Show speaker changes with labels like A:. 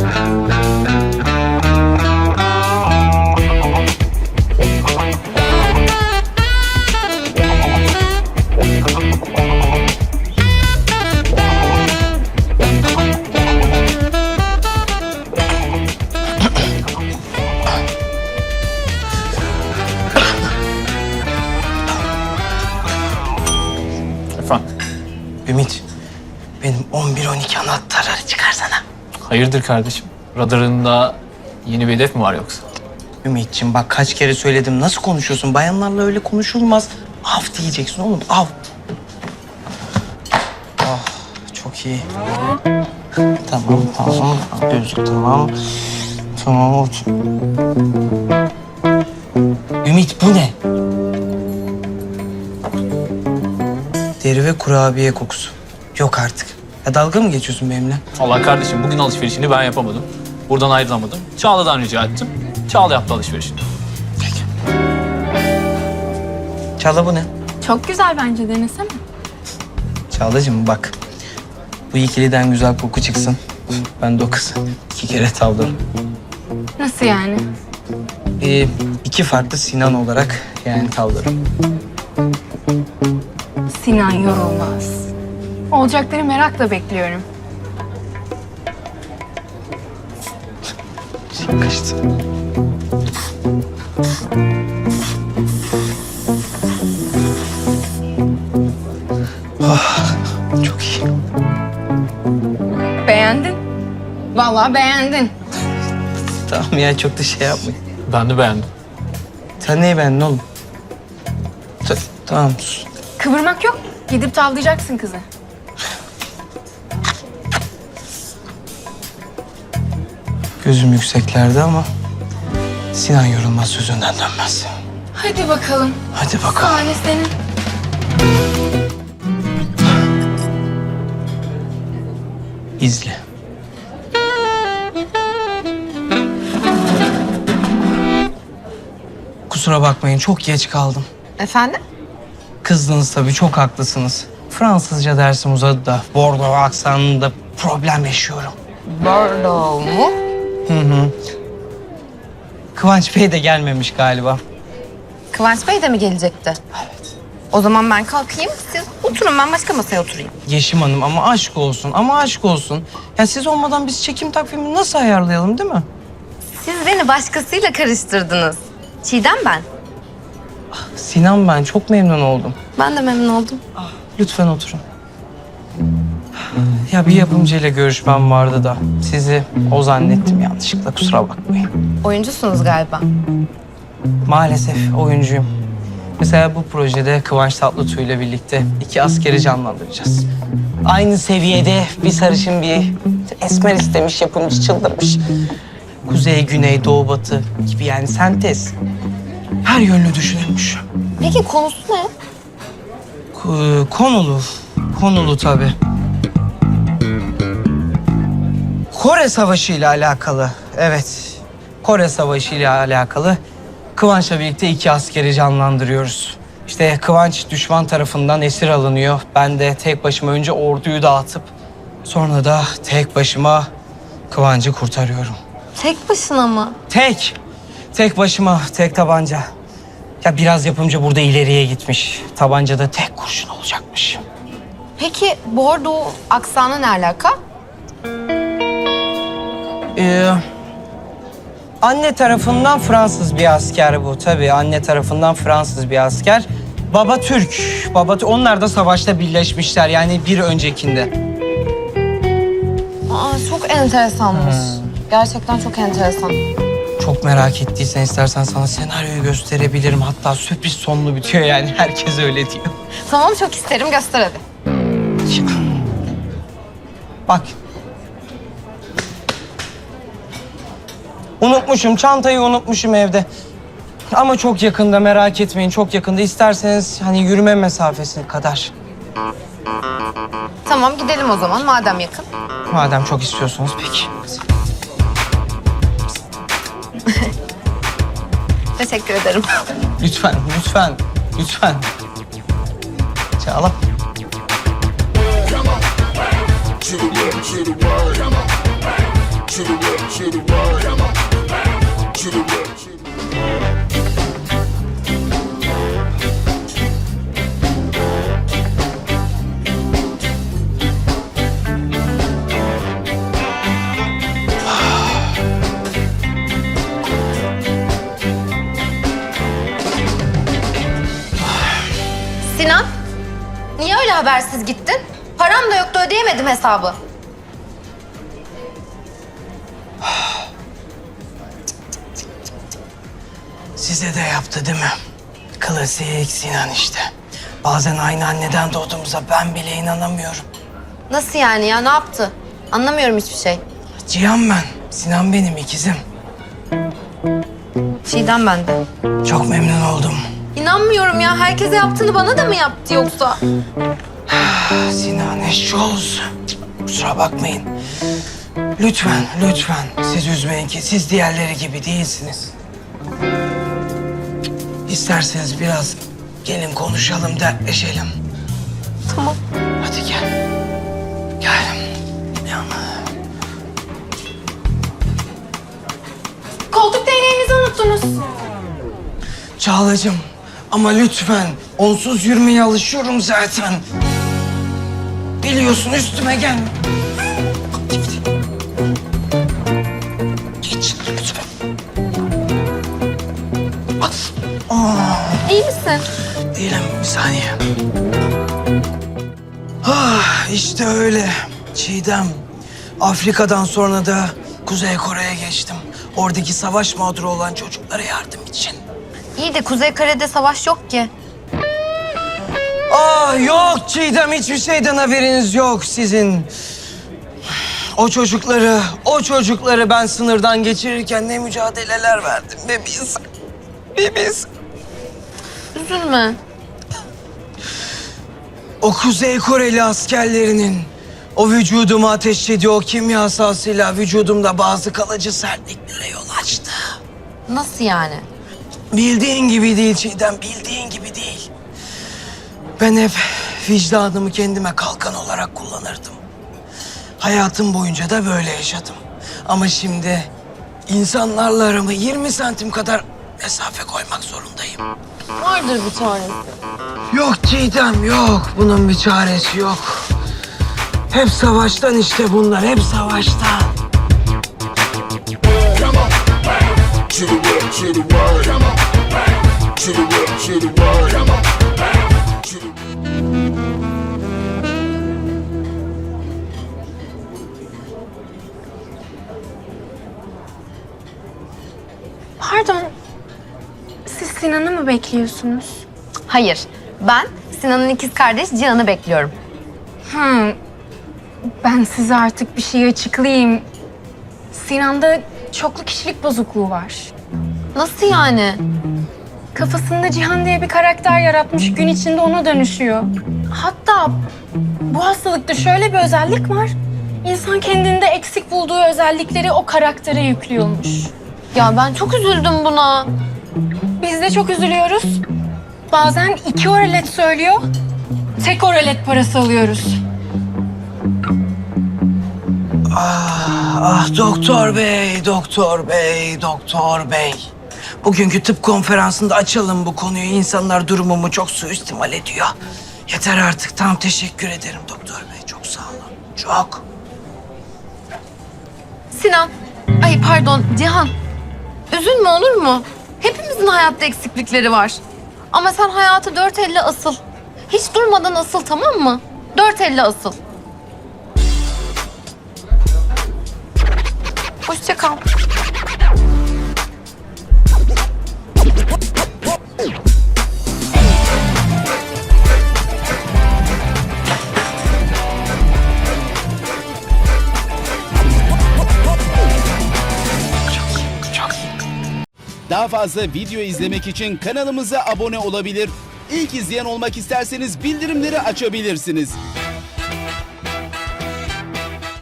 A: Ümit, benim 11-12 anahtarları çıkarsana.
B: Hayırdır kardeşim? Radarında yeni bir hedef mi var yoksa?
A: Ümit'ciğim bak kaç kere söyledim. Nasıl konuşuyorsun? Bayanlarla öyle konuşulmaz. Av diyeceksin oğlum, av. Ah, çok iyi. Tamam. Gözlük tamam. Tamam, otur. Ümit bu ne? Deri ve kurabiye kokusu. Yok artık. Ya dalga mı geçiyorsun benimle?
B: Allah kardeşim bugün alışverişini ben yapamadım. Buradan ayrılamadım. Çağla'dan rica ettim. Çağla yaptı alışverişini.
A: Peki. Çağla bu ne?
C: Çok güzel bence, denesene.
A: Çağlacığım bak. Bu ikiliden güzel koku çıksın. Ben de o kızı 2 kere tavlarım.
C: Nasıl yani?
A: 2 farklı Sinan olarak yani tavlarım.
C: Sinan yorulmaz. Olacakları merakla bekliyorum.
A: Kaçtı. Çok iyi.
C: Beğendin. Vallahi beğendin.
A: Tamam ya çok da şey yapmayın.
B: Ben de beğendim.
A: Sen neyi beğendin oğlum? Tamam sus.
C: Kıvırmak yok. Gidip tavlayacaksın kızı.
A: Gözüm yükseklerde ama Sinan yorulmaz sözünden dönmez.
C: Hadi bakalım.
A: Hadi bakalım.
C: Sahne senin.
A: İzle. Kusura bakmayın çok geç kaldım.
C: Efendim?
A: Kızdınız tabii çok haklısınız. Fransızca dersim uzadı da Bordeaux aksanında problem yaşıyorum.
C: Bordeaux mu?
A: Kıvanç Bey de gelmemiş galiba.
D: Kıvanç Bey de mi gelecekti?
A: Evet.
D: O zaman ben kalkayım, siz oturun, ben başka masaya oturayım.
A: Yeşim Hanım ama aşk olsun. Ya siz olmadan biz çekim takvimini nasıl ayarlayalım değil mi?
D: Siz beni başkasıyla karıştırdınız. Çiğdem ben.
A: Sinan ben çok memnun oldum.
D: Ben de memnun oldum.
A: Lütfen oturun. Ya bir yapımcıyla görüşmem vardı da sizi o zannettim yanlışlıkla kusura bakmayın.
D: Oyuncusunuz galiba.
A: Maalesef oyuncuyum. Mesela bu projede Kıvanç Tatlıtuğ ile birlikte 2 askeri canlandıracağız. Aynı seviyede bir sarışın bir esmer istemiş, yapımcı çıldırmış. Kuzey, güney, doğu, batı gibi yani sentez. Her yönlü düşünülmüş.
D: Peki konusu ne?
A: Konulu tabii. Kore Savaşı ile alakalı, evet. Kore Savaşı ile alakalı Kıvanç'la birlikte 2 askeri canlandırıyoruz. İşte Kıvanç düşman tarafından esir alınıyor. Ben de tek başıma önce orduyu dağıtıp sonra da tek başıma Kıvanç'ı kurtarıyorum.
D: Tek başına mı?
A: Tek başıma, tek tabanca. Ya biraz yapımcı burada ileriye gitmiş. Tabancada tek kurşun olacakmış.
D: Peki Bordeaux aksanı ne alaka?
A: Anne tarafından Fransız bir asker bu tabii. Anne tarafından Fransız bir asker. Baba Türk. Onlar da savaşta birleşmişler yani bir öncekinde.
D: Aa, çok enteresanmış. Gerçekten çok enteresan.
A: Çok merak ettiysen istersen sana senaryoyu gösterebilirim. Hatta sürpriz sonlu bitiyor yani herkes öyle diyor.
D: Tamam, çok isterim, göster hadi.
A: Bak. Çantayı unutmuşum evde. Ama çok yakında merak etmeyin çok yakında. İsterseniz hani yürüme mesafesi kadar.
D: Tamam, gidelim o zaman madem yakın.
A: Madem çok istiyorsanız peki.
D: Teşekkür ederim.
A: Lütfen. Çağla.
E: To the left, to the right, to the left,
D: habersiz gittin? Param da yoktu, ödeyemedim hesabı.
A: Size de yaptı değil mi? Klasik Sinan işte. Bazen aynı anneden doğduğumuza ben bile inanamıyorum.
D: Nasıl yani ya, ne yaptı? Anlamıyorum hiçbir şey.
A: Cihan ben. Sinan benim ikizim.
D: Çiğdem ben de.
A: Çok memnun oldum.
D: İnanmıyorum ya, herkese yaptığını bana da mı yaptı yoksa?
A: Sinan eşşi olsun. Kusura bakmayın. Lütfen, lütfen siz üzmeyin ki siz diğerleri gibi değilsiniz. İsterseniz biraz gelin konuşalım, dertleşelim.
D: Tamam.
A: Hadi gel. Gel.
C: Koltuk değneğinizi unuttunuz.
A: Çağlacığım ama lütfen onsuz yürümeye alışıyorum zaten. Biliyorsun üstüme gelme. Geç lütfen.
D: İyi misin?
A: Değilim, bir saniye. Ah, işte öyle. Çiğdem, Afrika'dan sonra da Kuzey Kore'ye geçtim. Oradaki savaş mağduru olan çocuklara yardım için.
D: İyi de Kuzey Kore'de savaş yok ki.
A: Ah yok Çiğdem, hiçbir şeyden haberiniz yok sizin. O çocukları ben sınırdan geçirirken ne mücadeleler verdim be biz. Biz.
D: Üzülme.
A: O Kuzey Koreli askerlerinin o vücuduma ateşlediği o kimyasalıyla vücudumda bazı kalıcı sertliklere yol açtı.
D: Nasıl yani?
A: Bildiğin gibi değil Çiğdem, bildiğin gibi değil. Ben hep vicdanımı kendime kalkan olarak kullanırdım. Hayatım boyunca da böyle yaşadım. Ama şimdi insanlarla aramı 20 santim kadar mesafe koymak zorundayım.
D: Vardır bir çaresi.
A: Yok Çiğdem, yok. Bunun bir çaresi yok. Hep savaştan işte bunlar, hep savaştan.
E: To the left, to the right. To the left, to the right. To the...
C: Pardon. Siz Sinan'ı mı bekliyorsunuz?
D: Hayır, ben Sinan'ın ikiz kardeş Cihan'ı bekliyorum.
C: Ben size artık bir şey açıklayayım. Sinan'da çoklu kişilik bozukluğu var.
D: Nasıl yani?
C: Kafasında Cihan diye bir karakter yaratmış, gün içinde ona dönüşüyor. Hatta bu hastalıkta şöyle bir özellik var. İnsan kendinde eksik bulduğu özellikleri o karaktere yüklüyormuş.
D: Ya ben çok üzüldüm buna.
C: Biz de çok üzülüyoruz. Bazen 2 oralet söylüyor, tek oralet parası alıyoruz.
A: Ah doktor bey, doktor bey, doktor bey. Bugünkü tıp konferansında açalım bu konuyu. İnsanlar durumumu çok suistimal ediyor. Yeter artık. Tamam, teşekkür ederim doktor bey. Çok sağ olun. Çok.
D: Sinan, ay pardon Cihan. Üzülme olur mu? Hepimizin hayatta eksiklikleri var. Ama sen hayatı 450 asıl. Hiç durmadan asıl, tamam mı? 450 asıl. Hoşça kal.
F: Daha fazla video izlemek için kanalımıza abone olabilir. İlk izleyen olmak isterseniz bildirimleri açabilirsiniz.